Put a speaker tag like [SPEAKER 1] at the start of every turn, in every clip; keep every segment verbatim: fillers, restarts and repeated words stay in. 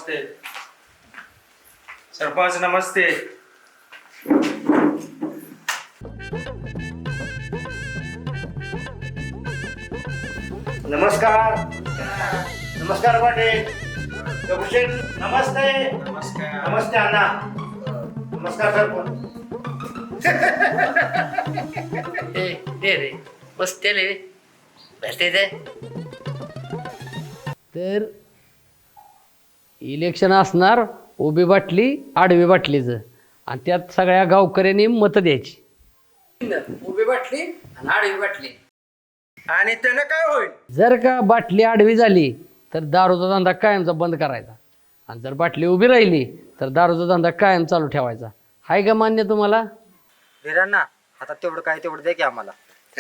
[SPEAKER 1] नमस्ते सरपंच नमस्ते.
[SPEAKER 2] नमस्कार नमस्कार पाटील. दगडूशेठ नमस्ते.
[SPEAKER 1] नमस्कार.
[SPEAKER 2] नमस्ते अण्णा. नमस्कार सरपंच.
[SPEAKER 3] ए रे बसते रे बसते ते
[SPEAKER 4] तर इलेक्शन असणार उभी बाटली आडवी बाटलीचं आणि त्यात सगळ्या गावकऱ्यांनी मतं द्यायची.
[SPEAKER 3] उभी बाटली आणि आडवी बाटली.
[SPEAKER 1] आणि त्यानं काय होईल?
[SPEAKER 4] जर का बाटली आडवी झाली तर दारूचा धंदा कायमचा बंद करायचा आणि जर बाटली उभी राहिली तर दारूचा धंदा कायम चालू ठेवायचा. हाय का मान्य तुम्हाला?
[SPEAKER 5] धीरांना आता तेवढं काय तेवढं दे की आम्हाला.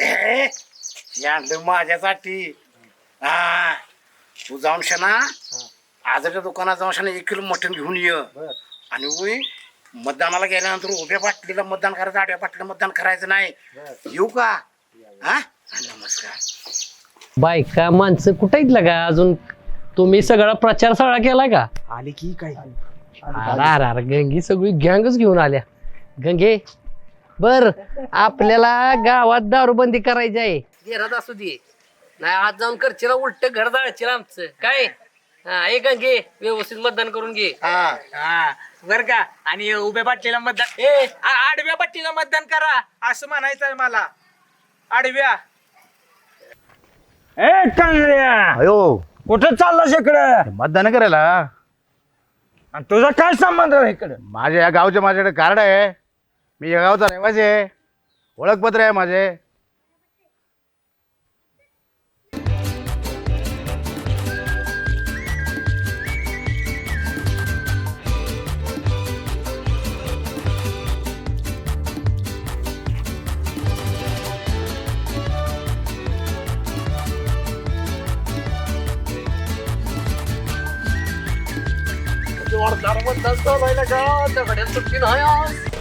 [SPEAKER 2] आणलं माझ्यासाठी. हा तू जाऊन शना आजच्या दुकानात जाऊन शना एक किलो मटण घेऊन ये आणि उई मतदानाला गेल्यानंतर उभ्या बाटलीला मतदान करायचं आडव्या बाटलीला मतदान करायचं नाही. येऊ का? हा नमस्कार.
[SPEAKER 4] बायका माणसं कुठं आहेत का अजून? तुम्ही सगळा प्रचार सगळा केला का?
[SPEAKER 5] आली की काय
[SPEAKER 4] अरे अरे अरे गंगी सगळी गँगच घेऊन आल्या. गंगे बर आपल्याला गावात दारूबंदी करायची आहे.
[SPEAKER 3] घरात असू दे नाही आज जाऊन करशील उलट घर जाळशील आमचं काय. हा एक घे व्यवस्थित मतदान करून घे.
[SPEAKER 5] हा बर का. आणि उभ्या पाटलीला मतदान ए आ- आडव्या पाटलीला मतदान करा असं म्हणायचं आहे मला. आडव्या
[SPEAKER 1] ए कांगड्या
[SPEAKER 2] अयो
[SPEAKER 1] कुठं चाललास इकडं?
[SPEAKER 2] मतदान करायला.
[SPEAKER 1] आणि तुझा काय संबंध आहे इकडं?
[SPEAKER 2] माझ्या या गावचे माझ्याकडे कार्ड आहे. मी या गावचा रहिवासी आहे. ओळखपत्र आहे माझे.
[SPEAKER 3] जोरदार मतदान चालू आहे ना का दगड्यात सुट्टी नाही आज.